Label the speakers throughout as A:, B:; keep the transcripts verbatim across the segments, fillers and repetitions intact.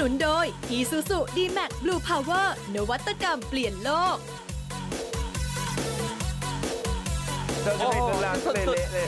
A: นุนโดย Isuzu D-Max Blue Power นวัตกรรมเปลี่ยนโลก
B: เธอจะเป็นกำลังเละเลย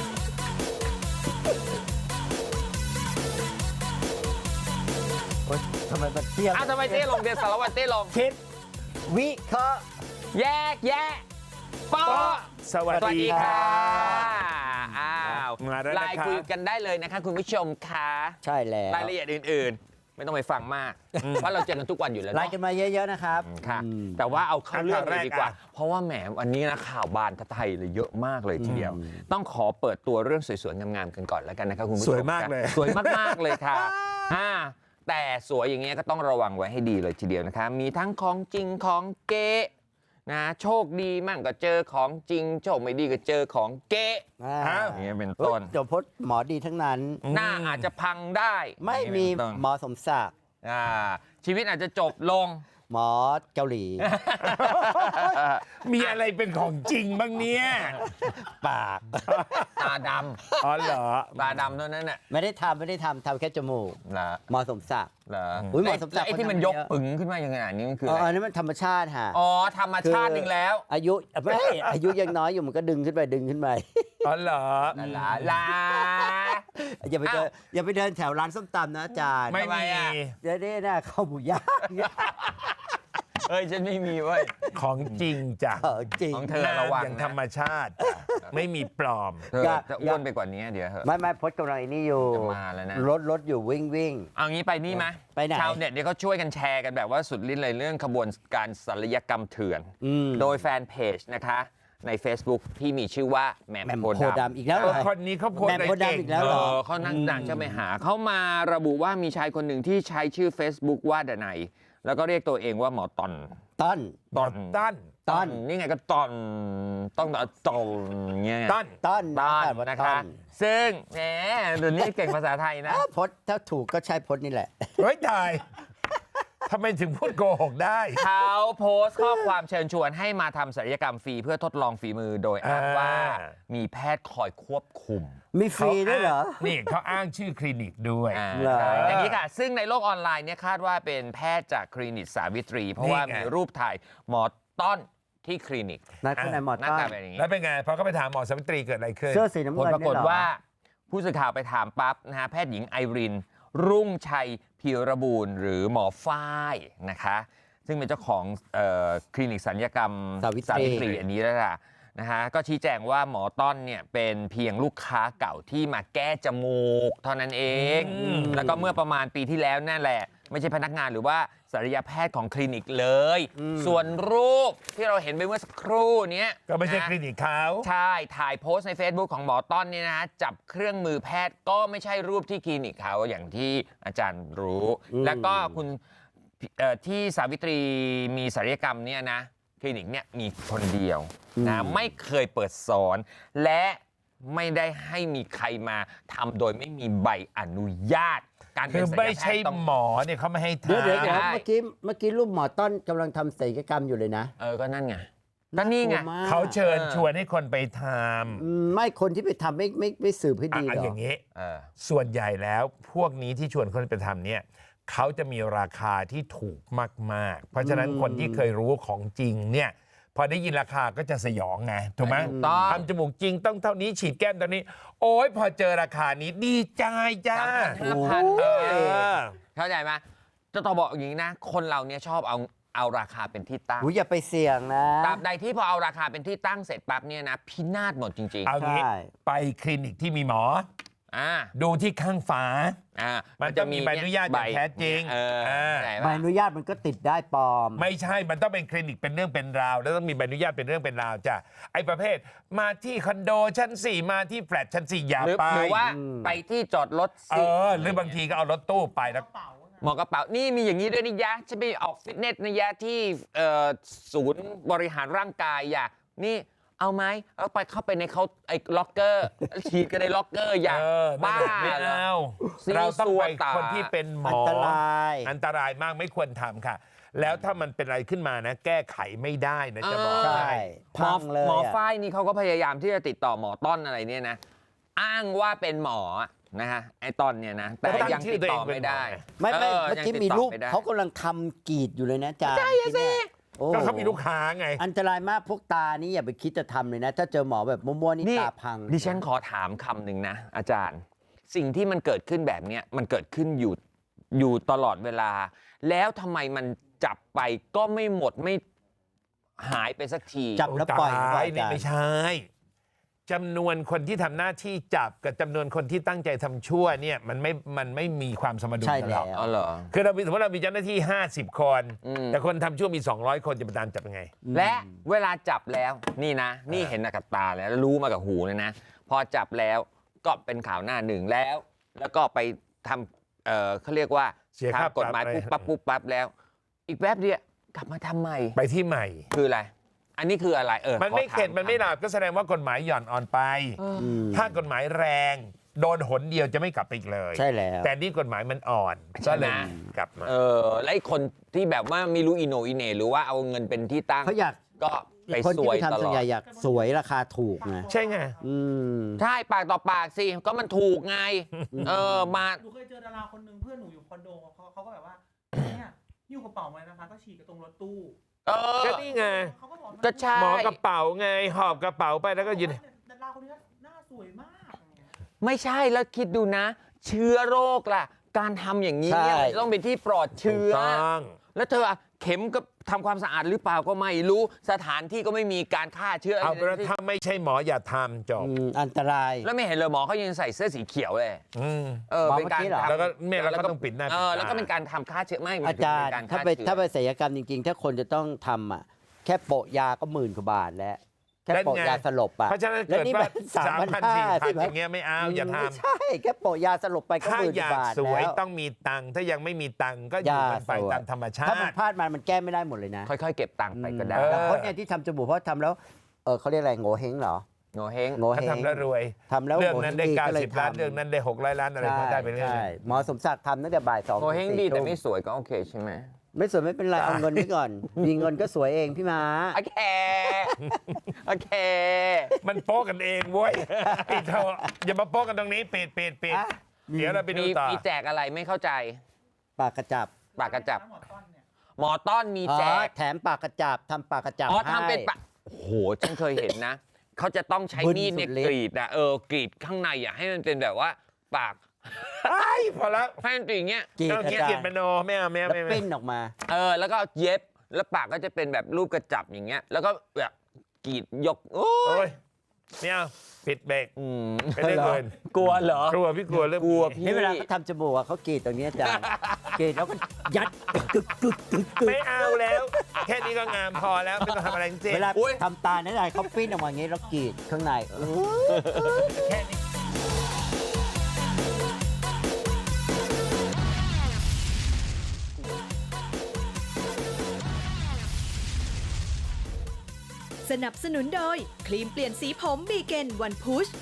C: ทำไมมันเตี้ย
D: อ้าวทำไมเต้ลงเดียวสารวัตรเต้ลง
C: คิดวิเคราะห์
D: แยกแยะปอ
B: สวัสดี
D: ค่ะ
B: ค่ะ
D: อ้าว
B: มาแล้ว
D: ไล
B: นะ
D: น์
B: ครับ
D: คุยกันได้เลยนะคะคุณผู้ชมค่ะ
C: ใช่แล้ว
D: รายละเอียดอื่นๆ ไม่ต้องไปฟังมาก เพราะเราเจอกันทุกวันอยู่แล้ว
C: ไล
D: เนาะ
C: น์กันมาเยอะๆนะครับ
D: ค่ะ
C: อืม
D: แต่ว่าเอาเข้าเรื่องเลยดีกว่า
B: ข่าวแรกอะ
D: เพราะว่าแหมวันนี้นะข่าวบานไทยเลยเยอะมากเลยทีเดียว ต้องขอเปิดตัวเรื่องสวยๆงามๆกันก่อนแล้วกันนะครับคุณผู้ชม
B: สวยมากเลย
D: สวยมากๆเลยค่ะอ่าแต่สวยอย่างเงี้ยก็ต้องระวังไว้ให้ดีเลยทีเดียวนะคะมีทั้งของจริงของเก๊นะโชคดีมั่งก็เจอของจริงโชคไม่ดีก็เจอของเก๊
C: อ่า
D: อย่างเงี้ยเป็น
C: เฮ้ย
D: ต้น
C: เดี๋ยวพจน์หมอดีทั้งนั้น
D: หน้าอาจจะพังได้
C: ไม่มี
D: อย่างเงี้ยเป็นต้น
C: หมอสมศักดิ์
D: อ่าชีวิตอาจจะจบลง
C: หมอเกาหลี
B: มีอะไรเป็นของจริงบ้างเนี่ย
C: ปาก
D: ตาด
B: อ๋อเหรอ
D: ำตาดำเท่านั้นน่ะ
C: ไม่ได้ทำไม่ได้ทำทำแค่จมูก
D: เหรอ
C: หมอสมศักดิ์
D: เหรอ
C: อุ๊ยหมอสมศักดิ์
D: ไอ้ที่มัน
C: คนทำ
D: ยก
C: เยอะ
D: ปึ๋งขึ้นมาอย่างขนาดนี้มันคือ
C: อ๋อ
D: อะไร
C: อันนี้มันธรรมชาติฮะ
D: อ๋อธรรมชาติอีกแล้ว
C: อายุไม่อายุยังน้อยอยู่มันก็ดึงขึ้นไปดึงขึ้นไป
B: อ๋อเหรอ
D: ลาลา
C: อย่าไปเดิน
D: อ้าว
C: อย่าไปเดินแถวร้านส้มตำนะอาจารย์
B: ไม่
D: ทำไม
B: มี
D: อะ
C: เดี๋ยวนี้นะข้าวหมูย่าง
D: เอ้ยฉันไม่มีเว้ย
B: ของจริงจ้ะ
C: เออจริง
D: ของเธอระวัง
B: อย่าง
D: นะ
B: ธรรมชาติจ้ะไม่มีปลอม
D: เธอ
C: อย่า
D: จะอ้วนไปกว่านี้เดี๋ยวเหอะ
C: ไม่ไม่พจน์กำลังไอ้นี่อยู่
D: จะมาแล้วนะ
C: รถรถอยู่วิ่งวิ่ง
D: เอางี้ไปนี่ไหม
C: ไปไหน
D: ชาวเน็ตเนี่ยเขาช่วยกันแชร์กันแบบว่าสุดลิ้นเลยเรื่องขบวนการศัลยกรรมเถื่อน
C: อืม
D: โดยแฟนเพจนะคะใน Facebook ที่มีชื่อว่าแหม่ม
C: แหม่ม
D: โพ
C: โพธิ์
D: ธิ์ดำ
C: ดำอีกแล้วเห
B: เอ
C: ร
B: อ
C: อ
B: คนนี้เขาโพสต์
C: แหม่มโพธิ์ดำอีกแล้ว
D: เอ
C: เหรอ
D: อเขานั่งดังจะไปหาเขามาระบุว่ามีชายคนหนึ่งที่ใช้ชื่อ Facebook ว่าดนัยแล้วก็เรียกตัวเองว่าหมอตอน
C: ต้น
B: ตอนตั้น
C: ต้น
D: นี่ไงก็ตอนต้องตอนตอนเงี้ย
B: ตั้น
C: ต้น
D: ตอน
C: อ่าว่า
D: นะ
C: ต้
D: คะ ซึ่งแหมเดี๋ยวนี้เก่งภาษาไทยนะ
C: อ่าพจน์ถ้าถูกก็ใช่พจน์นี่แหละ
B: เฮ้ยตายทำไมถึงพูดโกหกได้
D: เขาโพสต์ข้อความเชิญชวนให้มาทำศัลยกรรมฟรีเพื่อทดลองฝีมือโดยอ้างว่า
B: อ่า
D: มีแพทย์คอยควบคุม
C: มีฟรีด้วยเหรอ
B: นี่เขาอ้างชื่อคลินิกด้วย
D: อ่า
C: เหรอ
D: ใช่อย่างนี้ค่ะ ซึ่งในโลกออนไลน์เนี่ยคาดว่าเป็นแพทย์จากคลินิกสาวิตรี เพราะว่า
B: นี่ไง
D: มีรูปถ่ายหมอต้อนที่คลินิก
C: นัดคนไหนหมอ
D: หน้า
C: ต้น
D: ตาเป็นอย่างนี้
B: แล้วเป็นไงพอเขาไปถามหมอสาวิตรีเกิดอะไรขึ้น
C: เสื้อสีน้ำ
D: ผล
C: เงิน
D: ปรากฏ
C: เนี่ยเหรอ
D: ว่าผู้สื่อข่าวไปถามปั๊บนะฮะแพทย์หญิงไอริน รุ่งชัยพีระบูรณ์หรือหมอฝ้ายนะคะ ซึ่งเป็นเจ้าของเอ่อคลินิกศัลยกรรม
C: สาวิตรี
D: ตรีอันนี้แล้วล่ะนะฮะก็ชี้แจงว่าหมอต้อนเนี่ยเป็นเพียงลูกค้าเก่าที่มาแก้จมูกเท่านั้นเอง แล้วก็เมื่อประมาณปีที่แล้วนั่นแหละ ไม่ใช่พนักงานหรือว่าศัลยแพทย์ของคลินิกเลย ส่วนรูปที่เราเห็นไปเมื่อสักครู่เนี้ย
B: ก็ไม่ใช่
D: นะ
B: คลินิกเขา
D: ใช่ ถ่ายโพสต์ใน Facebook ของหมอต้อนเนี่ยนะจับเครื่องมือแพทย์ก็ไม่ใช่รูปที่คลินิกเขาอย่างที่อาจารย์รู้ แล้วก็คุณเอ่อที่สาวิตรีมีศัลยกรรมเนี่ยนะคลินิกเนี่ยมีคนเดียวนะไม่เคยเปิดสอน และไม่ได้ให้มีใครมาทำโดยไม่มีใบอนุญาต การเป็
B: คื
D: น
B: อ
D: ศัลย
B: ไม่
D: แพ
B: ใช่
D: ทย์ต้อง
B: หมอเนี่ยเขาไม่ให้
C: เดี๋ยวเดี๋ยว
B: ทำ
C: เดี๋ยว
D: ได้
C: เมื่อกี้เมื่อกี้รูปหมอต้นกำลังทำศัลยกรรมอยู่เลยนะ
D: เออก็นั่นไงก็นี่ไง
C: กลัวมาก
B: เขาเชิญ
D: เออ
B: ชวนให้คนไปท
C: อืมไม่คนที่ไปทำไม่ไม่ไม่สืบให้
B: ำอ่ะ
C: ดี
B: อ่ะ
C: เหรอ
B: อย่างนี้
D: เออ
B: ส่วนใหญ่แล้วพวกนี้ที่ชวนคนไปทำเนี่ยเขาจะมีราคาที่ถูกมากๆ เพราะฉะนั้นคนที่เคยรู้ของจริงเนี่ยพอได้ยินราคาก็จะสยองไงถูกไหม
D: ถูกต้อง
B: ทำจมูกจริงต้องเท่านี้ฉีดแก้มเท่านี้ โอ้ยพอเจอราคานี้ดีใจจ้า
D: ห้าพัน
B: เอ
D: เออ
B: อ
D: เข้าใจไหมจะต้องบอกอย่างนี้นะ คนเราเนี่ยชอบเอาเอาราคาเป็นที่ตั้ง
C: อุ้ยอย่าไปเสี่ยงนะ
D: ตราบใดที่พอเอาราคาเป็นที่ตั้งเสร็จปั๊บเนี่ยนะพินาศหมดจริง
B: เอางี้
C: ใช่
B: ไปคลินิกที่มีหมอ
D: ๆอ่า
B: ดูที่ข้างฝา
D: อ่า
B: มันจะมีใบอนุญาตอย่างแท้จริง
D: เออ
B: อ่า
D: เข้าใจ
C: ใบ
D: ปะ
C: อนุญาตมันก็ติดได้ปลอม
B: ไม่ใช่ มันต้องเป็นคลินิกเป็นเรื่องเป็นราว แล้วต้องมีใบอนุญาตเป็นเรื่องเป็นราวจ้ะ ไอ้ประเภท มาที่คอนโดชั้นสี่มาที่แฟลตชั้นสี่อย่า
D: หรือ
B: ไป
D: หรือว่า
C: อืม
D: ไปที่จอดรถ
B: เอ
D: สิ
B: อ หรือบางทีก็เอารถตู้ไปแล้ว
D: หมอกระเป๋า นี่มีอย่างนี้ด้วยนี่ยะฉันไปออกฟิตเนสนะยะที่เอ่อศูนย์บริหารร่างกายอย่านี่เอาไหมเอาไปเข้าไปในเขาไอ้ล็อกเกอร์ฉีดกันในล็อกเกอร์อย่า
B: เออ
D: บ้า
B: ไม่
D: เหรอ
B: เอา
D: ซี
B: เราต้องไป
D: ซัวตา
B: คนที่เป็นหม
C: อั
B: อ
C: นตราย
B: อันตรายมากไม่ควรทำค่ะ แล้วถ้ามันเป็นอะไรขึ้นมานะ แก้ไขไม่ได้นะจะบอก
C: ใช่
B: ให้
D: หมอ
C: พังเลย
D: หมอ
C: อะ
D: ฝ้ายนี่เขาก็พยายามที่จะติดต่อหมอต้นอะไรเนี่ยนะ อ้างว่าเป็นหมอนะฮะไอ้ตอนเนี่ยนะแต่
B: แล้วตั้ง
D: ยัง
B: ชื่อ
D: ติด
B: ตัวเอง
D: ต่อ
B: เป็น
D: ไม่ได้
B: หมอไง
C: ไม่ไม่
D: เออ
C: เมื่อกี้
D: ยังติด
C: มี
D: ต่อ
C: รูป
D: ไม่ได้
C: เขากำลังทำกรีดอยู่เลยนะอาจารย์
D: ใช่อะสิ
C: โอ้
B: ก็เขามีลูกค้าไง
C: อันตรายมากพวกตานี่อย่าไปคิดจะทำเลยนะ ถ้าเจอหมอแบบมั่วๆนี่
D: นี่
C: ตาพัง
D: ดิฉันขอถามคำหนึ่งนะ อาจารย์ สิ่งที่มันเกิดขึ้นแบบเนี้ยมันเกิดขึ้นอยู่อยู่ตลอดเวลา แล้วทำไมมันจับไปก็ไม่หมดไม่หายไปสักที
C: จับแล้วปล่อย
B: โตา
C: ปล่อย
B: นี่
C: อาจารย์
B: ไม่ใช่จำนวนคนที่ทำหน้าที่จับกับจำนวนคนที่ตั้งใจทำชั่วเนี่ยมันไม่มันไม่มีความสมดุล
C: ใช่
B: กันห
C: แล้
B: ร
C: ว
B: อก
D: อ๋อเหรอ
B: คือเรามีสมมติเรามีเจ้าหน้าที่ ห้าสิบ คน
D: อืม
B: แต่คนทำชั่วมี สองร้อย คนจะไปตามจับยังไง
D: และเวลาจับแล้วนี่นะ นี่เห็นมากับตาแล้วรู้มากับหูเลยนะ พอจับแล้วก็เป็นข่าวหน้าหนึ่งแล้ว แล้วก็ไปทำเอ่อเขาเรียกว่า
B: เสียค่า
D: ทำกฎหมาย
B: ปรับ
D: ปุ๊บปั๊บปุ๊บปั๊บแล้ว อีกแป๊บเดียวกลับมาทำใหม่
B: ไปที่ใหม่
D: คืออะไร อันนี้คืออะไรเออ
B: มันไม่
D: ขอถา
B: เข็ดมันไม่หลับก็แสดงว่ากฎหมายหย่อนอ่อนไป
D: เออ
C: อืม
B: ถ้ากฎหมายแรง โดนหนเดียวจะไม่กลับไปอีกเลย
C: ใช่แล้ว
B: แต่นี่กฎหมายมันอ่อน
D: ใช่
B: ก็
D: ไหม
B: เลยกลับมา
D: เออแล้วไอ้คนที่แบบว่าไม่รู้อีโหนอีเหน่หรือว่าเอาเงินเป็นที่ตั้ง
C: เขาอยาก
D: ก็ไป
C: คน
D: ส
C: ที่
D: วย
C: ไป
D: ต
C: ทำส่
D: ล
C: วน
D: อ
C: ใหญ่
D: ด
C: อยากสวยราคาถูกไง
B: ใช่ไง
C: อืม
D: ใช่ปากต่อปากสิก็มันถูกไง เออมา
E: หนูเคยเจอดาราคนหนึ่งเพื่อนหนูอยู่คอนโดเขาเขาก็แบบว่าเนี่ยหิ้วกระเป๋ามาเลยนะคะ ก็ฉีกกระตรงรถตู้
D: เออ
B: ก็นี่ไง
E: เขาก็บอกว่า
D: ก็ใช่
B: หมอกระเป๋าไง หอบกระเป๋าไปแล้วก็ยืน
E: ดาราคนนี้หน้าสวยมากอย่างเงี้ย
D: ไม่ใช่แล้วคิดดูนะ เชื้อโรคล่ะ การทำอย่างนี้เนี่ย
C: ใช่
D: มันต้องเป็นที่ปลอดเชื้อ
B: ถูกต้อง
D: แล้วเธออะเข็มก็ทำความสะอาดหรือเปล่าก็ไม่รู้สถานที่ก็ไม่มีการฆ่าเชื้อ
B: เอา
D: อะไร
B: เป็นว่า
D: ทั้งสิ้น
B: ถ้าไม่ใช่หมออย่าทำจบ
C: อืมอันตราย
D: แล้วไม่เห็นเลยหมอเขายังใส่เสื้อสีเขียวเลย
B: อืม
D: เออ
C: หมอ
D: เป็นการ
C: เมื่อกี้เหรอ
D: ทำ
B: แล้วก็เนี่ยเราก็ต้องปิดหน้า
D: เออ
B: ปิดตา
D: แล้วก็เป็นการทำฆ่าเชื้อไม่
C: อาจารย์
D: เป็นก
C: ถ้าไป
D: ฆ่เชื้อ
C: ถ้าไปศัลยกรรมจริงๆ ถ้าคนจะต้องทำอ่ะ แค่โปะยาก็หมื่นกว่าบาทแล้ว แค่โปะยาสลบอ่ะ
B: เพราะฉะนั้น
C: แล้ว
B: เกิด
C: นี่
B: ว่า
C: มัน
B: สามพันสี่พัน
C: ใช่ไหม
B: อย่างเงี้ยไม่เอาอย่าท
C: ไม่ใช่ แค่โปะยาสลบไป
B: ำ
C: ก็
B: ถ้า
C: หมื่น
B: อก
C: ว่าย
B: าก
C: บาท
B: สวย
C: แล้ว
B: ต้องมีตังค์ถ้ายังไม่มีตังค์ก็อยู่กันไป
C: อย่าสวย
B: ตามธรรมชา
C: ถ้ามัน
B: ติ
C: พลาดมามันแก้ไม่ได้หมดเลยนะ
D: ค่อยๆเก็บตังค์ไปก็ได้
B: เออ
C: แต่คนเนี่ยที่ทำจมูกเพราะทำแล้ว เออเขาเรียกอะไรโง่เฮงเหรอ
D: โงเฮง
C: โง่
B: ถ้า
C: เฮง
B: ทำแล้วรวย
C: ทำแล้ว
B: เรื่องนั้นได้
C: โง่เฮง
B: เก้า
C: ก็เลย
B: สิบล้าน
C: ทำ
B: เรื่องนั้นได้หกร้อยล้านอะไร
C: ใช่
B: ก็ได้ไปเรื่อย
C: ใช่หมอสมศักดิ์ทำตั้งแต่บ่ายสอง
D: โงเฮง
C: ถึ
D: ดี
C: สี่
D: แต่
C: ทุ่
D: ไม่สวยก็โอเคใช่ไหม
C: ไม่สวยไม่เป็นไรเอาเงินไว้ก่อน มีเงินก็สวยเองพี่ม้า
D: โอเคโอเค
B: ๆมันโป๊กกันเองเว้ยปิดเถอะอย่ามาโป๊กกันตรงนี้ปิดปิดปิด
C: อ่ะ
B: เดี๋ยวเราไปดู
D: มี
B: ต่อ
D: มีแจกอะไรไม่เข้าใจ
C: ปากกระจับ
D: ปากกระจับ
E: หมอต้นเนี่ย
D: หมอต้อนมี
C: อ๋อ
D: แจก
C: แถมปากกระจับทำปากกระจับ
D: อ๋อ
C: ให้
D: ทำเป็นปะโอ้โห ฉันเคยเห็นนะ เขาจะต้องใช้
C: บึ้น
D: มีดเนี่ย
C: สุดฤทธิ์
D: กรีดนะเออกรีดข้างในอ่ะให้มันเป็นแบบว่าปาก
B: ไอ้ยพอแล้ว
D: ให้มันเป็นอย่างเงี้ย
C: กรีด
B: ต้อง
C: อา
B: เกีย
C: จาร
B: เกียร
C: ย์
B: ติมโนไม่เอาไม่เอา
C: แล้ว
B: ไม่เอา
C: ปิ้นออกมา
D: เออแล้วก็เย็บแล้วปากก็จะเป็นแบบรูปกระจับอย่างเงี้ย แล้วก็แบบกรีดยกโอ้
B: โอ้
D: ย
B: ยไม่เอาปิดเบรก
D: อืม
B: ไม่ได้เงิน
D: กลัวเหรอก
B: ลัวพี่กลัวเรื่อง
D: กลัว
B: นี้
D: พี่
C: นี่เวลาเขาทำจมูกอะเขากรีดตรงนี้อาจารย์ กรีดแล้วก็ยัดกึกกึกกึกกึก
B: ไม่เอาแล้ว แค่นี้ก็งามพอแล้วไม่ต้องทำอะไรจริง
C: เวลาทำตาเนี่ยเขาปิ้นออกมาอย่างนี้แล้วกรีดข้างในเออ
B: แค่นี้
A: สนับสนุนโดย ครีมเปลี่ยนสีผมบีเกนวันพุช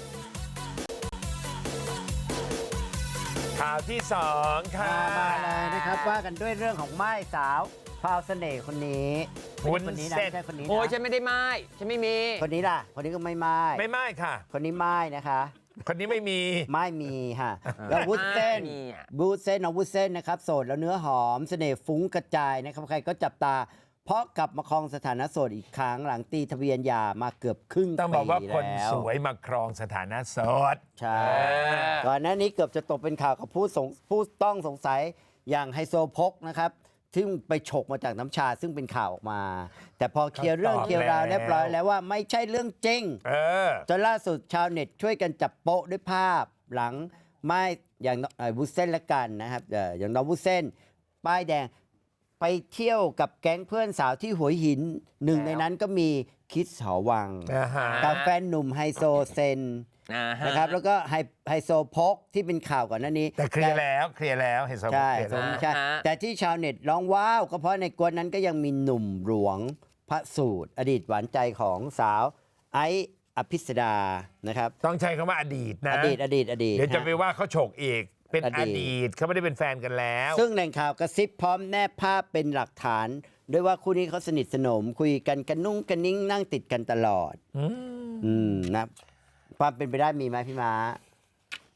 B: ข่าวที่สองค่ะ
C: มาเลยนะครับว่ากันด้วยเรื่องของไม้สาวพราวเสน่ห์คนนี้ไม่
B: วุ้น
C: ใช่คนนี้นะ
B: เส้น
C: ไม่ใช่คนนี้
D: โอ้ย
C: นะ
D: ฉันไม่ได้ไม้ฉันไม่มี
C: คนนี้ล่ะ คนนี้ก็ไม่ไม้
B: ไม่ไม่ค่ะ
C: คนนี้ไม้นะคะ
B: คนนี้ไม่มี
C: ไม่มีค่ะแล้ววุ้นเส้น
D: ไม่มีอะ
C: วุ้นเส้นน้องวุ้นเส้นนะครับโสดแล้วเนื้อหอมเสน่ห์ฟุ้งกระจายนะครับใครก็จับตา เพราะกลับมาครองสถานะโสดอีกครั้งหลังตีทะเบียนหย่ามาเกือบครึ่ง
B: ต้อง
C: ปี
B: บอกว่าคน
C: แล้ว
B: สวยมาครองสถานะโสด
C: ใช่
D: เออ
C: ก่อนหน้านี้เกือบจะตกเป็นข่าวกับผู้สงผู้ต้องสงสัยอย่างไฮโซโพกนะครับซึ่งไปฉกมาจากน้ำชาซึ่งเป็นข่าวออกมา แต่พอเคลียร์เรื่อง
B: ตอบ
C: เคลียร์ราว
B: แล้ว
C: เรียบร้อยแล้วว่าไม่ใช่เรื่องจริง
B: เออ
C: จนล่าสุดชาวเน็ตช่วยกันจับโป๊ะด้วยภาพหลังไม่อย่างเอ่อวุ้นเส้นละกันนะครับเอ่ออย่างน้องวุ้นเส้น ป้ายแดงไปเที่ยวกับแก๊งเพื่อนสาวที่หัวหินหนึ่งในนั้นก็มีคิดหอวัง
B: อ่าฮะ
C: กับแฟนหนุ่มไฮโซเซน
D: อ่าฮ
C: นะครับแล้วก็ไฮไฮโซโพกที่เป็นข่าวก่อนหน้านี้
B: แต่เคลียร์แล้วเคลียร์แล้วเห็นสม
C: ใช่
B: เคลียร์
C: ส
B: แล้ว
C: มใช่แต่ที่ชาวเน็ตร้องว้าวก็เพราะในกวนนั้นก็ยังมีหนุ่มหลวงพระสูตร อดีตหวานใจของสาวไอซ์อภิสดานะครับ
B: ต้องใช้คำว่าอดีตนะ
C: อดีตอดีตอดีต
B: เดี๋ยวจะ
C: ฮ
B: ไปว่าเขาโฉกอีกเป็น
C: อ
B: อ
C: ดีต
B: ดีตเขาไม่ได้เป็นแฟนกันแล้ว
C: ซึ่งแหล่งข่าวกระซิบพร้อมแนบภาพเป็นหลักฐานด้วยว่าคู่นี้เขาสนิทสนม คุยกันกันนุ่งกันนิ่งนั่งติดกันตลอด
B: อืม
C: อืมนะความเป็นไปได้มีไหมพี่ม้า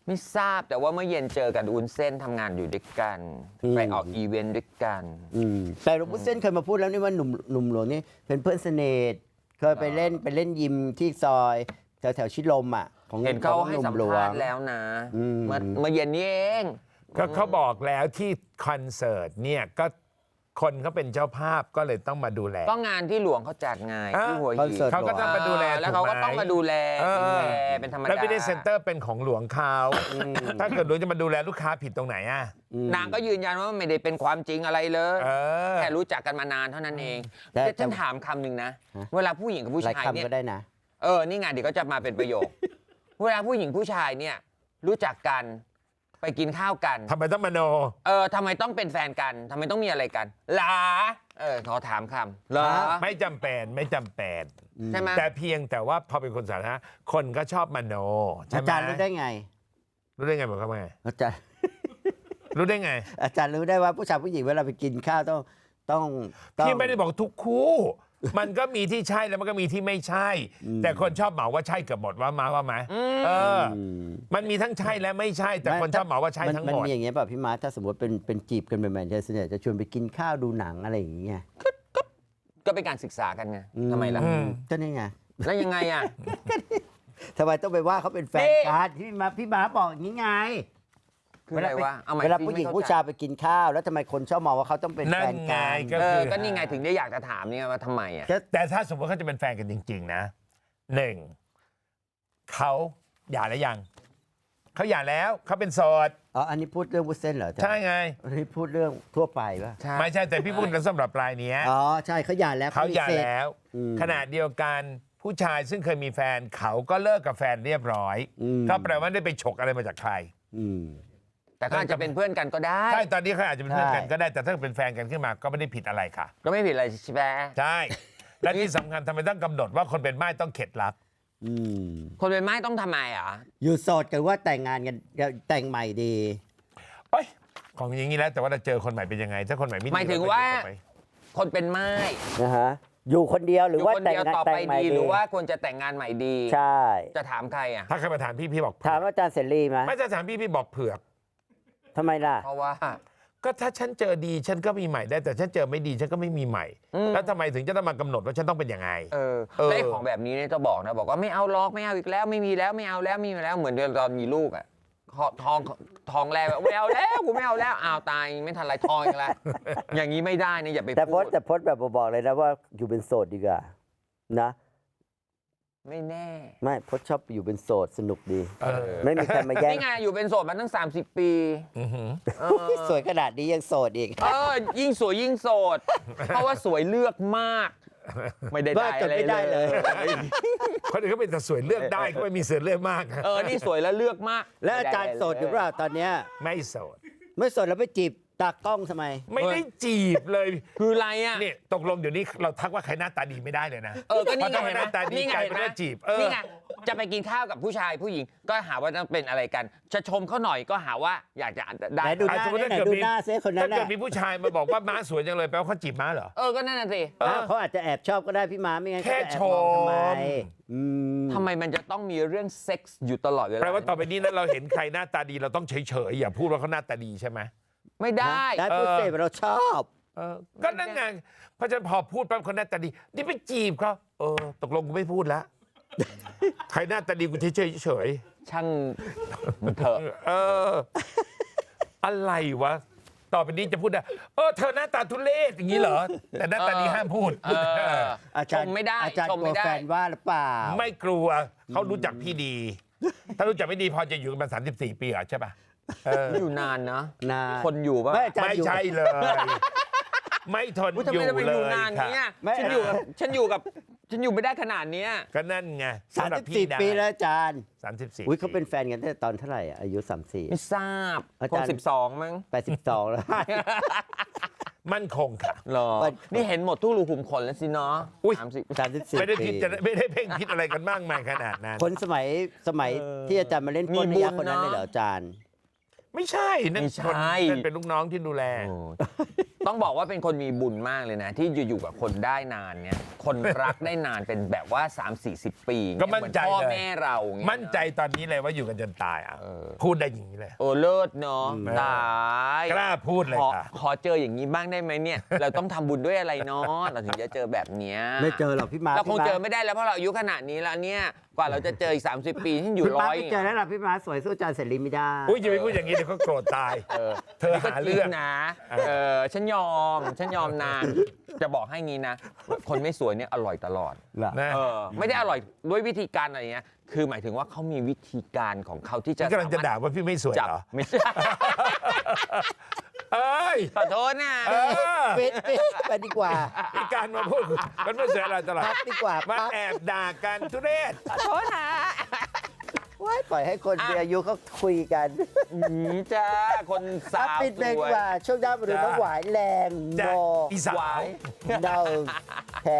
D: ไม่ทราบแต่ว่าเมื่อเย็นเจอกันวุ้นเส้นทำงานอยู่ด้วยกันไปออกอีเวนต์ด้วยกัน
C: อืมแต่หลวงพ่อเส้นเคยมาพูดแล้วนี่ว่าหนุ่มหนุ่มหลวงนี่เป็นเพื่อนสนิทเคยไปเล่นไปเล่นยิมที่ซอยแถวแถวชิดลมอ่ะของ
D: เห็นเขา
C: ของ
D: ให้
C: นุ่
D: สัม
C: หลว
D: ภาง ษณ์แล้วนะ
C: อืม
D: เมื่อเมื่อเย็นนี้เอง
B: ก็เขาบอกแล้วที่คอนเสิร์ตเนี่ยก็คนเขาเป็นเจ้าภาพก็เลยต้องมาดูแล
D: ก็งานที่หลวงเขาจัดไง
B: อ่า
D: ที่หัว
C: คอน
D: หิน
C: เสิร์ต
B: เขาก็ต้องมาดูแล
D: แล้วเขาก็
B: ถูกไหม
D: ต้องมาดูแล
B: เออ
D: ดูแลเป็นธรรมดา
B: แล้วพิธีเซ็นเตอร์เป็นของหลวงเขาถ้าเกิดหลวงจะมาดูแลลูกค้าผิดตรงไหนอ่ะ
D: นางก็ยืนยันว่าไม่ได้เป็นความจริงอะไรเลย
B: เออ
D: แค่รู้จักกันมานานเท่านั้นเอง
C: แต่
D: แต่ฉันถามคำหนึ่งนะ เวลาผู้หญิงกับผู้
C: หลาย
D: ชายเนี่ย
C: คำก็ได้นะ
D: เออนี่ไงเดี๋ยวก็จะมาเป็นประโยค เวลาผู้หญิงผู้ชายเนี่ยรู้จักกันไปกินข้าวกัน
B: ทำไมต้องมโน
D: เออทำไมต้องเป็นแฟนกันทำไมต้องมีอะไรกันหลาเออขอถามคำเหรอ
B: ไม่จำเป็นไม่จำเป็น
D: ใช่ไหม
B: แต่เพียงแต่ว่าพอเป็นคนสาธารณะคนก็ชอบมโนใช่
C: อา
B: ไหม
C: จารย์รู้ได้ไง
B: รู้ได้ไงบอกเขาไง
C: อาจารย์
B: รู้ได้ไง
C: อาจารย์รู้ได้ว่าผู้ชายผู้หญิงเวลาไปกินข้าวต้องต้องต้อง
B: พี่ไม่ได้บอกทุกคู่ มันก็มีที่ใช่แล้วมันก็มีที่ไม่ใช่ แต่คนชอบเหมาว่าใช่เกือบหมดว่ามาว่าไหมเออ
C: อืม
B: มันมีทั้งใช่และไม่ใช่ แต่คนชอบเหมาว่าใช่ทั้งหม
C: มัน
B: ด
C: มีอย่างเงี้ยป่ะพี่มาร์ทถ้าสมมติเป็นเป็นจีบกันใหม่ๆจะส่วนใหญ่จะชวนไปกินข้าวดูหนังอะไรอย่างเงี้ย
D: ก็เป็นการศึกษากันไงทำไมล่ะ
B: อืม
C: ก็นี่ไง
D: แล้วยังไงอ่ะ
C: ทำไมต้องไปว่าเขาเป็นแฟน
D: นี่
C: กันพี่มาพี่มาร์ทบอกอย่างนี้ไง
D: คืออะไรวะเอาใหม่
C: เวลา
D: พี่
C: ผู้หญิง
D: ไม่เข้
C: ผู้ชายไปกินข้าว แล้วทำไมคนชอบมองว่าเขาต้องเป็น
B: นั่
C: แฟ
B: น
C: น
B: ไง
C: กัน
B: ก็
D: เอ
B: คือ อ
D: ก็นี่ไงถึงได้อยากจะถามเนี่ยว่าทำไมอ่ะ
B: แต่ถ้าสมมติเขาจะเป็นแฟนกันจริง ๆ นะหนึ่งเขาหย่าแล้วยังเขาหย่าแล้วเขาเป็นโสด
C: อ๋ออันนี้พูดเรื่องวุ้นเส้นเหรอจ๊ะ
B: ใช่ไง
C: อันนี้พูดเรื่องทั่วไปป่ะ
D: ใช่
B: ไม่ใช่แต่พี่พูดกันสำหรับรายเนี้ย
C: อ๋อใช่เขาหย่าแล้ว
B: เขาหย่า
C: มีซ็ก
B: แล้ว
C: อืม
B: ขณะเดียวกันผู้ชายซึ่งเคยมีแฟนเขาก็เลิกกับแฟนเรียบร้อย
C: อืม
B: ก็แปลว่าได้ไปฉกอะไรมาจากใคร
C: อืม
D: แต่ก็อาจจะเป็นเพื่อนกันก็ได้
B: ใช่ตอนนี้เขาอาจจะเป็นเพื่อนกัน
C: ใช่
B: ก็ได้แต่ถ้าเป็นแฟนกันขึ้นมาก็ไม่ได้ผิดอะไรค่ะ
D: ก็ไม่ผิดอะไรใช่ไหม
B: ใช่ และที่สำคัญทำไมต้องกำหนดว่าคนเป็นม่ายต้องเข็ดรัก
C: อืม
D: คนเป็นไม้ต้องทำไมอ่ะ
C: อยู่โสดกันว่าแต่งงานกันแต่งใหม่ดี
B: เอ้ยของอย่างนี้แล้วแต่ว่าเราเจอคนใหม่เป็นยังไง ถ้าคนใหม่ไม่ดี
D: หมายถึง
B: เรก็
D: ว่า
B: อยู่ต่อไป
D: คนเป็นไม้
C: นะฮะอยู่คนเดียวห
D: อ
C: รือยู่ ว่า
D: คน
C: แต่ง
D: เดียว
C: งาน
D: ต่อ
C: แต่
D: ไป
C: งใหม่
D: ดี
C: ดี
D: หรือว่าควรจะแต่งงานใหม่ดี
C: ใช่
D: จะถามใครอ่ะ
B: ถ้าใครมาถามพี่พี่บอกเผื
C: ถาม
B: อก
C: อาจารย์เสรีไหม
B: ไม่จะถามพี่พี่บอกเผือก
C: ทำไมล่ะ
D: เพราะว่า
B: ก็ถ้าฉันเจอดีฉันก็มีใหม่ได้แต่ฉันเจอไม่ดีฉันก็ไม่มีใหม่
D: อืม
B: แล้วทำไมถึงจะต้องมากำหนดว่าฉันต้องเป็นยังไง
D: เออ
B: เออ
D: แล้วไอ้ของแบบนี้เนี่ยจะบอกนะบอกว่าไม่เอาล็อกไม่เอาอีกแล้วไม่มีแล้วไม่เอาแล้วไม่มีแล้วเหมือนตอนมีลูกอ่ะทองทองแรกแบบไม่เอาแล้วกูไม่เอาแล้วอ้าวตายไม่ทันไรทองอีกแล้ว อย่างนี้ไม่ได้นะอย่าไป
C: แต่พ
D: พู
C: จ
D: ด
C: น์แต่พจน์แบบบอกเลยนะว่าอยู่เป็นโสดดีกว่านะ
D: ไม่แน่
C: ไม่พจน์ชอบอยู่เป็นโสดสนุกดี
B: เออ
C: ไม่มีใครมาแย่ง
D: นี่ไงอยู่เป็นโสดมาตั้งสามสิบปี
B: อื้อหือ
D: เออ
C: สวยขนาดนี้ยังโสดอีก
D: เออยิ่งสวยยิ่งโสด เพราะว่าสวยเลือกมาก ไม่ได้ได้
C: บ้าจน
D: อะไร
C: ไม่ได้
D: เล
C: เลย ย
B: คนอื่นก็เป็นแต่สวยเลือกได้ก็ไม่มีเสือเลือกมาก
D: เออนี่สวยแล้วเลือกมาก
C: แล้วอาจารย์โสดอยู่เปล่าตอนเนี้ย
B: ไม่โสด
C: ไม่โสดแล้วไปจีบตากล้องทำไม
B: ไม่ได้จีบเลย
D: คืออะไรอ่ะ
B: นี่ตกลงเดี๋ยวนี้เราทักว่าใครหน้าตาดีไม่ได้เลยนะ
D: เออก็นี่ไง
B: เพราะ
D: เห็นไหม
B: หน้าตาดี
D: นี่ไง
B: กลาย
D: เห็
B: เป็น น
D: ไหม
B: ว่าจีบเออ
D: นี่ไงจะไปกินข้าวกับผู้ชายผู้หญิง ก็หาว่าต้องเป็นอะไรกัน จะชมเขาหน่อยก็หาว่าอยากจะได้
C: ไหนดูหน้า
B: อ่ะสมมุติ
C: ไหน
B: ถ้าเกิด
C: ดู
B: มี
C: หน้าเซคนนั้
B: ถ้าน เกิ
C: น่ะ
B: ดมีผู้ชายมาบอกว่าม้าสวยจังเลยแปลว่าเขาจีบม้าเหรอ
D: เออก็นั่นน่ะสิ
B: เออ
C: อ้าวเขาอาจจะแอบชอบก็ได้พี่ม้าไม่งั้น
B: แค่
C: เขาจะแอบมองทำไม
B: ชม
C: อืม
D: ทำไมมันจะต้องมีเรื่องเซ็กส์อยู่ตลอดเวลา
B: แปลว่าต่อไปนี้นั้นเราเห็นใครหน้าตาดีเราต้องเฉยๆอย่าพูดว่าเขาหน้าตาดีใช่ไหม
D: ไม่ได้
C: ได้พูด
B: เออ
C: เสพเราชอบ
B: เออก็นั่นไงเพราะฉะนั้นพอพูดปั๊บคนหน้าตาดีนี่ไปจีบเขาเออตกลงกูไม่พูดแล้ว ใครหน้าตาดีกูเฉยๆเฉย
D: ช่างมันเถอะ
B: ๆเออ อะไรวะ ต่อไปนี้จะพูดได้เออเธอหน้าตาทุเรศอย่างนี้เหรอ แต่หน้าตาดีห้ามพูด
D: เออ
C: อาจารย์
D: ชมไม่ได้
C: อาจารย์
D: ชม
C: กลัว
D: ไม่ได้
C: แฟนว่าหรือเปล่า
B: ไม่กลัวเขารู้จักพี่ดี ถ้ารู้จักไม่ดีพอจะอยู่กันมาสามสิบสี่ปีเหรอใช่ป่ะเออ
D: อยู่นานนะ
C: นาน
D: คนอยู่ป่ะ
C: ไม่อาจาร
B: ไม่
C: ย์อยู่
B: ใช่เลย ไม่ทน
D: อุ๊ยทำ
B: อยู่
D: ไมจะไป
B: เล
D: อยู่
B: ย
D: นาน
B: ค่ะ
D: เนี้ย
C: ไม่
D: ฉันอยู่กับฉันอยู่กับฉันอยู่ไม่ได้ขนาดเนี้ย
B: ก็นั่นไง
C: สามสิบสี่ปีแล้วอาจารย์
B: สามสิบสี่
C: อุ้ยเขาเป็นแฟนกันตั้งแต่ตอนเท่าไหร่อะอายุสามสี่
D: ไม่ทราบ
C: อา
D: ค
C: จาร
D: น
C: ย์
D: สิบสองมั้ง
C: แปดสิบสองแล้ว
B: มั่นคงค่ะ
D: หรอ
C: มัน
D: นี่เห็นหมดทุกรูขุมขนแล้วสิเนาะ
B: อุ๊ย
D: สามสิบ
C: สามสิบสี่
B: ไม่ได้
C: ปี
B: พิจารไม่ได้เพ่งพิษอะไรกันมากมายขนาดนั้น
C: คนสมัยสมัยที่อาจารย์มาเล่น
D: มี
C: ป้น
D: บุ
C: นิ
D: ญ
C: ยาคนนั้น
D: เนอะ
C: เลยเหรออาจารย์
B: ไม่ใช่นั่น
D: ไม่ใช่
B: คนนั่นเป็นลูกน้องที่ดูแล
D: โอ้ต้องบอกว่าเป็นคนมีบุญมากเลยนะ ที่อยู่ๆกับคนได้นานเนี่ยคนรักได้นานเป็นแบบว่า สามสี่สิบ ปี
B: ก็มั่นใจ
D: เหอพ่อ
B: เลย
D: แม่เราเงี้ย
B: มั่นใจตอนนี้เลยว่าอยู่กันจนตายอ่ะ
D: เออ
B: พูดได้อย่างนี้เลย
D: โอ้เลิศเนาะ
B: อืม
D: ตาย
B: กล้าพูดเลย
D: ขอ
B: ค่ะ
D: ขอเจออย่างนี้บ้างได้ไหมเนี่ย เราต้องทำบุญด้วยอะไรเนาะเราถึงจะเจอแบบเนี้ย
C: ไม่เจอหรอกพี่มาร์ค
D: เราคง
C: พี่
D: เจ
C: ร์
D: อไม่ได้แล้วเพราะเราอายุขนาดนี้แล้วเนี่ยกว่าเราจะเจออีกสามสิบปีที่อยู่
C: พี่
D: ร้
C: มาร์
D: อ
C: ค
D: ย
C: ไม่เจอแล้วล่ะพี่มาร์คสวยสู้อาจารย์เสรีไม่ได้
B: อุ้ยจะไปพูดอย่างนี้เดี๋ยวเขาโกรธตาย
D: เออ
B: เธอ
D: นี่ก็
B: หา
D: จริ
B: เรื่อง
D: งนะเออฉันยอมฉันยอมนานจะบอกให้งี้นะ คนไม่สวยเนี่ยอร่อยตลอด
B: นะ
D: เออไม่ได้อร่อยด้วยวิธีการอะไรเงี้ยคือหมายถึงว่าเขามีวิธีการของเขาที่จะ
B: นี่กำลังจะด่าว่าพี่ไม่สวย
D: จับ
B: เหรอ
D: ไม่ใช่
B: เอ้ย
D: ขอโทษนะ
B: เออ
C: ปิดปิดไปดีกว่า
B: มีการมาพูดมันไม่สวยอะไรตลอด
C: พักดีกว่า
B: มา
C: พัก
B: แอบด่ากันทุเรศ
D: ขอโทษนะ
C: ว้ายปล่อยให้คน
D: อ่ะ
C: มีอายุเขาคุยกัน
D: อืมจ้าคนสา
C: อ่ะ
D: ว
C: ปิดเบรก
D: ส
C: ดี
D: วย
C: กว่าช่วงหน้ามาดู
B: จ้า
C: น้องหวายแรง
B: จ้า
C: โน
B: อีสาว
C: เดาแพร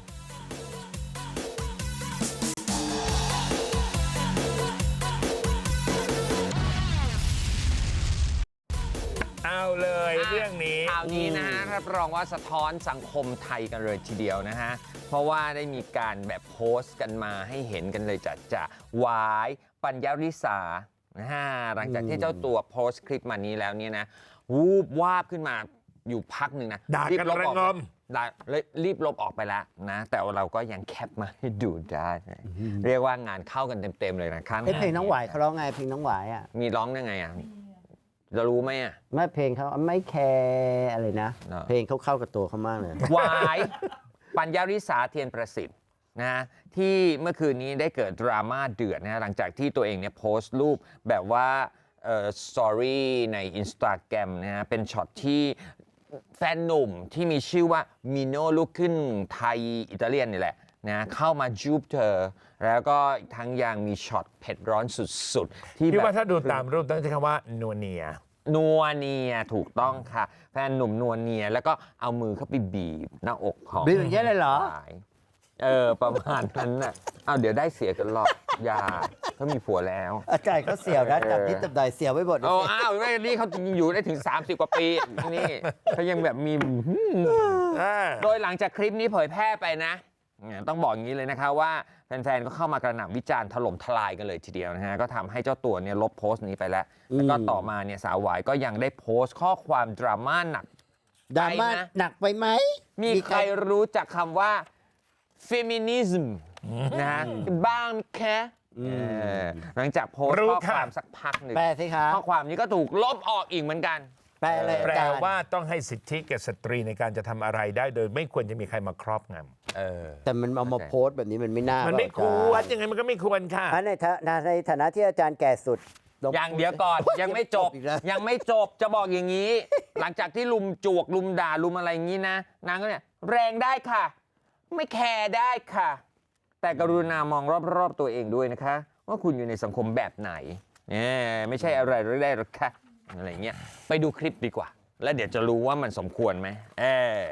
B: เอาเลยเรื่องนี้
D: ข่าวนี้นะฮะรับรองว่าสะท้อนสังคมไทยกันเลยทีเดียวนะฮะ เพราะว่าได้มีการแบบโพสต์กันมาให้เห็นกันเลยจัดจะหวายปัญญาริสานะฮะหลังจากที่เจ้าตัวโพสต์คลิปมานี้แล้วเนี่ยนะวูบวาบขึ้นมาอยู่พักหนึ่งนะ
B: ด่ากัน
D: รีบลบออก
B: ระงม
D: ด่าเลยรีบลบออกไปแล้วนะ แต่เราก็ยังแคปมาให้ดูได้นะเรียกว่างานเข้ากันเต็มๆเลยนะครับ
C: เอ้ยเพลงน้องหวายเขาร้องไงเพลงน้องหวายอ่ะ
D: มีร้องยังไงอ่ะจะรู้ไหมอ่ะ
C: ไม่เพลงเขาไม่แคร์อะไรนะ
D: เนอะ
C: เพลงเขาเข้ากับตัวเขามากเลย
D: หวายปัญญาริสาเทียนประสิทธิ์นะฮะที่เมื่อคืนนี้ได้เกิดดราม่าเดือดนะฮะหลังจากที่ตัวเองเนี่ยโพสต์รูปแบบว่าเอ่อสตอรี่ใน Instagram นะฮะเป็นช็อตที่แฟนหนุ่มที่มีชื่อว่ามิโนลูกขึ้นไทยอิตาเลียนนี่แหละนะเข้ามาจูบเธอ แล้วก็อีกทั้งยังมีช็อตเผ็ดร้อนสุดๆ ที่
B: พี่
D: แบบ
B: ว่าถ้าดูตามรูปต้องใช้คำว่านัวเนีย
D: นัวเนียถูกต้องค่ะ แฟนหนุ่มนัวเนียแล้วก็เอามือเข้าไปบีบหน้าอกของ
C: บีบอย่างเงี้ยเลยเหรอ
D: ฝ่ายเออ ประมาณนั้นน่ะเอาเดี๋ยวได้เสียกันหรอกอย่าเขามีผัวแล้ว
C: อาจารย์เขาเสี่ยวนะ
D: เออ
C: จับนิดจับหน่อยเสี่ยวไว้หมด
D: โอ้อ้าวนี่เขาอยู่ได้ถึง สามสิบ กว่าปี นี่เขายังแบบมี โดยหลังจากคลิปนี้เผยแพร่ไปนะเนี่ยต้องบอกอย่างนี้เลยนะคะว่าแฟนๆ ก็เข้ามากระหน่ำวิจารณ์ถล่มทลายกันเลยทีเดียวนะฮะก็ทำให้เจ้าตัวเนี่ยลบโพสต์นี้ไปแล้ว แล้วก็ต่อมาเนี่ยสาวหวายก็ยังได้โพสต์ข้อความดราม่าหนัก
C: ดราม่า
D: ไปนะ
C: หนักไปไหม
D: มีใครรู้จักคำว่า feminism นะฮะบ้างแค่หลังจากโพสต์
B: รู้
D: ข้อ
B: ค่ะ
D: ความสักพักหนึ่ง
C: แปลสิคะ
D: ข้อความนี้ก็ถูกลบออกอีกเหมือนกัน
C: แปลเลย
B: แปล
C: อาจารย์
B: ว่าต้องให้สิทธิแก่สตรีในการจะทำอะไรได้โดยไม่ควรจะมีใครมาครอบง
D: เออ
C: แต่มันเอามาโพสต์แบบนี้มันไม่น่า
B: ำ
C: มั
B: มันไม่ควรยังไงมันก็ไม่ควรค่ะ
C: อันในฐานะในฐานะที่อาจารย์แก่สุดล
D: อย่างเดียวก่อน ยังไม่จบ
C: อีกแล้ว
D: ยังไม่จบจะบอกอย่างนี้ หลังจากที่ลุมจวกลุมด่าลุมอะไรอย่างนี้นะนางก็เนี่ยแรงได้ค่ะ ไม่แคร์ได้ค่ะ แต่กรุณามองรอบๆตัวเองด้วยนะคะ ว่าคุณอยู่ในสังคมแบบไหนเนี่ยไม่ใช่อะไรหรือได้หรอกค่ะอะไรเงี้ยไปดูคลิปดีกว่า แล้วเดี๋ยวจะรู้ว่ามันสมควรไหมเออ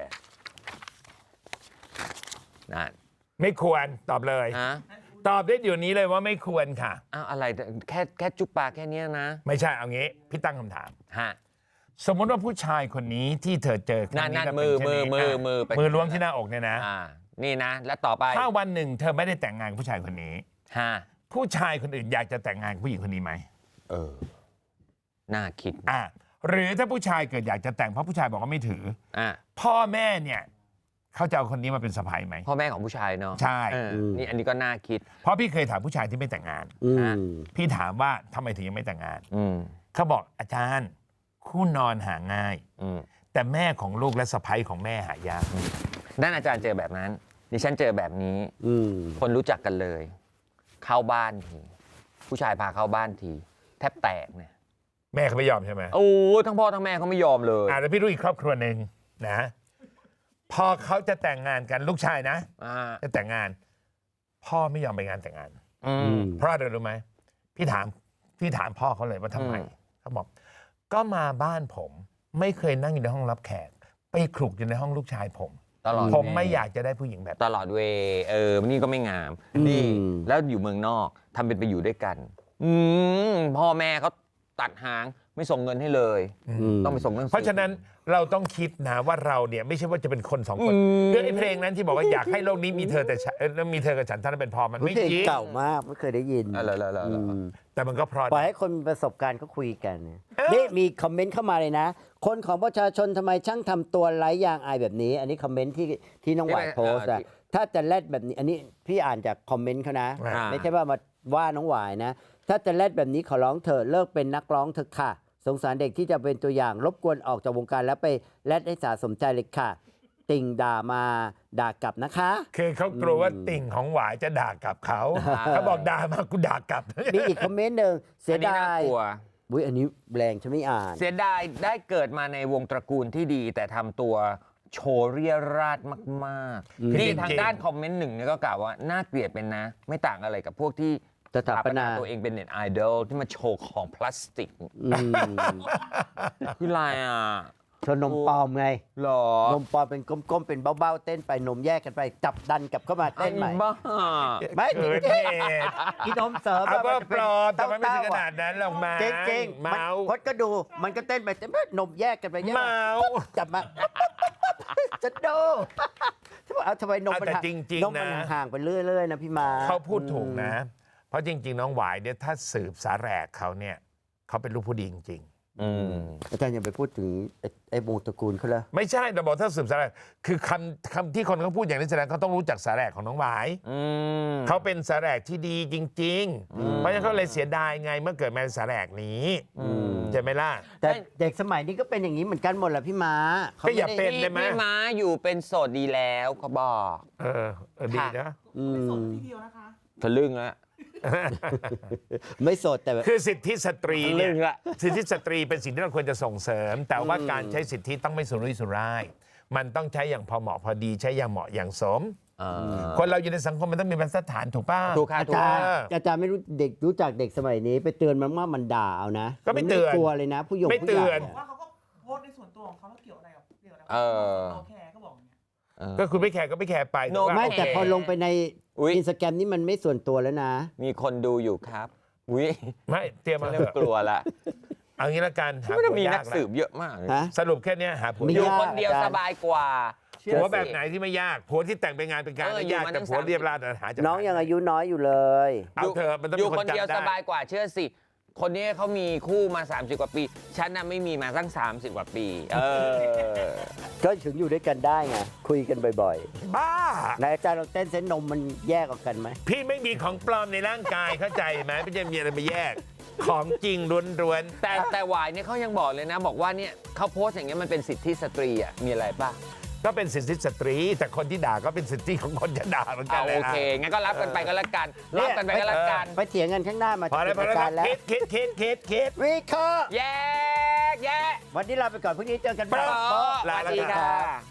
D: นั่น
B: ไม่ควรตอบเลย
D: ฮะ
B: ตอบได้เดี๋ยวนี้เลยว่าไม่ควรค่ะ
D: อ้าวอะไรแค่แค่จุ๊บปากแค่เนี้ยนะ
B: ไม่ใช่เอางี้พี่ตั้งคำถาม
D: ฮะ
B: สมมติว่าผู้ชายคนนี้ที่เธอเจอครั้ง
D: นั่นๆ
B: แล้ว
D: มือ
B: เป็นเช่นนี้
D: มือมือ
B: อ่ะ
D: มือไป
B: มือล้วงที่หน้าอกเนี่ยนะ
D: อ่านี่นะ แล้วต่อไป
B: ถ้าวันหนึ่งเธอไม่ได้แต่งงานกับผู้ชายคนนี้
D: ฮะ
B: ผู้ชายคนอื่นอยากจะแต่งงานกับผู้หญิงคนนี้ไหม
D: เออ น่าคิด
B: อ่ะหรือถ้าผู้ชายเกิดอยากจะแต่งเพราะผู้ชายบอกว่าไม่ถือ
D: อ่ะ
B: พ่อแม่เนี่ยเขาจะเอาคนนี้มาเป็นสะใภ้ไหม
D: พ่อแม่ของผู้ชายเนาะ
B: ใช่
D: เออนี่อันนี้ก็น่าคิด
B: เพราะพี่เคยถามผู้ชายที่ไม่แต่งงาน
C: อืม
B: พี่ถามว่าทำไมถึงยังไม่แต่งงาน
D: อืม
B: เขาบอกอาจารย์คู่นอนหาง่าย
D: อืม
B: แต่แม่ของลูกและสะใภ้ของแม่หายาก
D: นั่นอาจารย์เจอแบบนั้น ดิฉันเจอแบบนี้
C: อืม
D: คนรู้จักกันเลย เข้าบ้านที ผู้ชายพาเข้าบ้านที แทบแตกเนี่ย
B: แม่เขาไม่ยอมใช่ไหม
D: โอ้ทั้งพ่อทั้งแม่เขาไม่ยอมเลย
B: อ่าแล้วพี่รู้อีกครอบครัวหนึ่งนะ พอเขาจะแต่งงานกันลูกชายนะ
D: อ่า
B: จะแต่งงาน พ่อไม่ยอมไปงานแต่งงาน
D: อืม
B: เพราะอะไรรู้ไหมพี่ถามพี่ถามพ่อเขาเลยว่าทำไม
D: อืม
B: เขาบอกก็มาบ้านผม ไม่เคยนั่งอยู่ในห้องรับแขก ไปคลุกอยู่ในห้องลูกชายผม
D: ตลอด
B: ผมไม่อยากจะได้ผู้หญิงแบบ
D: ตลอดเวย์เออ นี่ก็ไม่งาม นี่ แล้วอยู่เมืองนอกทำเป็นไปอยู่ด้วยกัน อืมพ่อแม่เขาตัดหางไม่ส่งเงินให้เลย ต้องไปส่งหนังสือ
B: เพราะฉะนั้นเราต้องคิดนะว่าเราเนี่ยไม่ใช่ว่าจะเป็นคนสองคนเรื่องไอ้เพลงนั้นที่บอกว่าอยากให้โลกนี้มีเธอแต่ฉันเอ่อมีเธอกับฉันเท่านั้นเป็นพอมัน
C: เพล
B: ไม่
C: ง
B: จริง
C: เก่ามากไม่เคยได้ยิน
D: อะไรๆๆๆ
C: อืม
B: แต่มันก็เพราะ
C: ปล่อยให้คนมีประสบการณ์เขาคุยกันนี่มีคอมเมนต์เข้ามาเลยนะ คนของประชาชนทำไมช่างทำตัวไร้ยางอายแบบนี้ อันนี้คอมเมนต์ที่ที่น้องหวาย
D: ที่
C: โพสต์อะ
D: ที่
C: ถ้าจะแลดแบบนี้ อันนี้พี่อ่านจากคอมเมนต์เขานะ
D: อ่า
C: ไม่ใช่ว่ามาว่าน้องหวายนะ ถ้าจะแลดแบบนี้ขอร้องเถอะเลิกเป็นนักร้องเถอะค่ะ สงสารเด็กที่จะเป็นตัวอย่างรบกวนออกจากวงการแล้วไปแลดให้สาสมใจเลยค่ะ ติ่งด่ามาด่ากลับนะคะ
B: คือเขากลัวว่าติ่งของหวายจะด่ากลับเขาเขาบอกด่ามากูด่ากลับ
C: มีอีกคอมเมนต์หนึ่งเสีย
D: อันนี้
C: ดา
D: น่าย กลัว
C: อุ้ยอันนี้แรงฉันไม่อ่าน
D: เสียดายได้เกิดมาในวงตระกูลที่ดี แต่ทำตัวโชว์เรียราดมาก
C: อืม
D: ๆนี่
B: จริงๆ
D: ทางด้านคอมเมนต์หนึ่งเนี่ยก็กล่าวว่าน่าเกลียดเป็นนะ ไม่ต่างอะไรกับพวกที่
C: สถาปนา
D: ตัวเองเป็นเน็ตไอดอลที่มาโชว์ของพลาสติก
C: อืม
D: คืออะไรอ่ะ
C: ชนนมปลอมไง
D: หรอน
C: มปลอมเป็นก้มๆ เป็นเบ้าๆ เต้นไปนมแยกกันไป จับดันกลับเข้ามาเต้นใหม่
D: ไอ้บ้า
C: ไม่
B: เกิดเหตุ
C: อีนมเสริม
B: เอาก็
C: มันจะ
B: ปลอมแต่มันไม่ถึงข
C: เต้
B: นาดนั้นหรอกมา
C: จริงจริงๆมัน
B: เมา
C: พดก็ดู มันก็เต้นไปเต้นไปนมแยกกันไปแยก
B: เมา
C: จับมา จะดูเอาทำไมนมมัน
B: แต่
C: ห่าง
B: จริง
C: นม
B: ๆ
C: มัน
B: นะ
C: ห่างไปเรื่อยๆ นะพี่มา
B: เขาพูดถูกนะ เพราะจริง ๆ น้องหวายเนี่ยถ้าสืบสาแหรกเขาเนี่ยเขาเป็นลูกผู้ดีจริง
D: อืม
C: อาจารย์อย่าไปพูดถึงไอ้ไอ้วงตระกูลเขาเลย
B: ๆ ไม่ใช่เราบอกถ้าสืบสาแหรกคือคำคำที่คนเขาพูดอย่างนี้แสดงเขาต้องรู้จักสาแหรกของน้องหวาย
D: อืม
B: เขาเป็นสาแหรกที่ดีจริง ๆ เพราะฉะนั้นเขาเลยเสียดายไงเมื่อเกิดมาเป็นสาแหรกนี้ใช่ไหมล่ะ
C: แต่เด็กสมัยนี้ก็เป็นอย่างนี้เหมือนกันหมดแหละพี่ม้าข
B: ก็อย่า
C: ไม่
B: เป็
C: ได้
B: น ได้ไหม
D: พี่ม้าอยู่เป็นโสดดีแล้วเขาบอก
B: เออเออดีนะ
C: อื
E: ไปส่ง
C: ม
E: ที่เดียวนะคะ
D: ทะลึ่งแล้ว
C: ไม่โสดแต่แบบ
B: คือสิทธิสตรีเนี่ย
D: เรื่องละ
B: สิทธิสตรีเป็นสิ่งที่เราควรจะส่งเสริม แต่ว่าการใช้สิทธิต้องไม่สุรุ่ยสุร่าย มันต้องใช้อย่างพอเหมาะพอดีใช้อย่างเหมาะอย่างสม คนเราอยู่ในสังคมมันต้องมีบรรทัดฐานถูกป่ะ
D: ถูกค่ะ
C: อา
D: ถูก
C: จารย์
B: เออ
C: อาจารย์ไม่รู้เด็กรู้จักเด็กสมัยนี้ ไปเตือนมันว่ามันด่าเอานะ
B: ก็ไม่เตือน
C: กลัวเลยนะ ผู้หยง
B: ไม่
C: ผู้
B: เตื
C: ใหญ่
B: อน
E: บอกว่าเขาก็โพสต์ในส่วนตัวของเขาแล้วเกี่ยวอะไรกับเกี่ยวอะไรกับ
D: เออ
E: เราแคร์ก็บอกอย่างเงี้ย
B: ก็คุณไม่แคร์ก็ไม่แคร์ไป
D: โน
B: แต่ว่า
C: ไม่
B: โอเค
C: แต่พอลงไปใน
D: อุ๊ย
C: อินสตาแกรมนี่มันไม่ส่วนตัวแล้วนะ
D: มีคนดูอยู่ครับอุ้ย
B: ไม่เตรียมมา
D: เริ่
B: เถ
D: ม
B: อะ
D: กลัวละ
B: เอางี้ละกันหา
D: ไม่ได้
B: ผัว
D: มีนั
B: ยาก ก
D: สื
B: แล้ว
D: บเยอะมากเลย
C: ฮะ
B: สรุปแค่เนี้ยหาผัว
C: ไม่
D: อยู่
B: ยาก
D: คนเดียว
C: อาจารย์
D: สบายกว่า
B: ผัวแบบไหนที่ไม่ยากผัวที่แต่งไปงานเป็นการ
D: เออ
B: ไม่
D: อยู่
B: ยาก
D: มา
B: แต่
D: ตั้ง
B: ผัว
D: สามสิบ
B: เรียบร้อยแต่หาจาก
C: น้องยังอายุน้อยอยู่เลย
B: เอาเถอะมันต้อง
D: อ
B: มี
D: ยู่
B: ค
D: คน
B: น
D: เดียว
B: จำ
D: ส
B: ได้
D: บายกว่าเชื่อสิ คนนี้เขามีคู่มา สามสิบ กว่าปี ฉันน่ะไม่มีมาตั้ง สามสิบ กว่าปี เออ
C: ก็ถึงอยู่ด้วยกันได้ไงคุยกันบ่อย
B: บ้า
C: ๆนายอาจารย์ลองเต้นเส้นนมมันแยกออกกันไหม
B: พี่ไม่มีของปลอมในร่างกายเข้าใจไหมไม่จะมีอะไรมาแยก ของจริงล้วน
D: แต่แต่หวายเนี่ยเขายังบอกเลยนะ บอกว่าเนี่ยเขาโพสต์อย่างเงี้ยมันเป็นสิทธิสตรีอ่ะ มีอะไรป่ะ
B: ๆก็เป็นสิทธิสตรี แต่คนที่ด่าก็เป็นสิทธิของคนจะด่าเหมือนกั
D: เอา
B: นเลย
D: โอเค งั้นก็รับกันไปก็แล้วกัน รับกันไปก็แล้วกัน
C: ไปเถียงกันข้างหน้ามา
B: พอแล้วพอ
C: จะ
B: แล้ว
C: ปิดรายการแล้ว
B: คิดคิดคิดคิดคิด
C: วิเคราะห์
D: แยกแยะ
C: วันนี้ลาไปก่อนพรุ่งนี้เจอกัน
B: โป๊ะ
D: โป๊ะสวัสดีค่ะ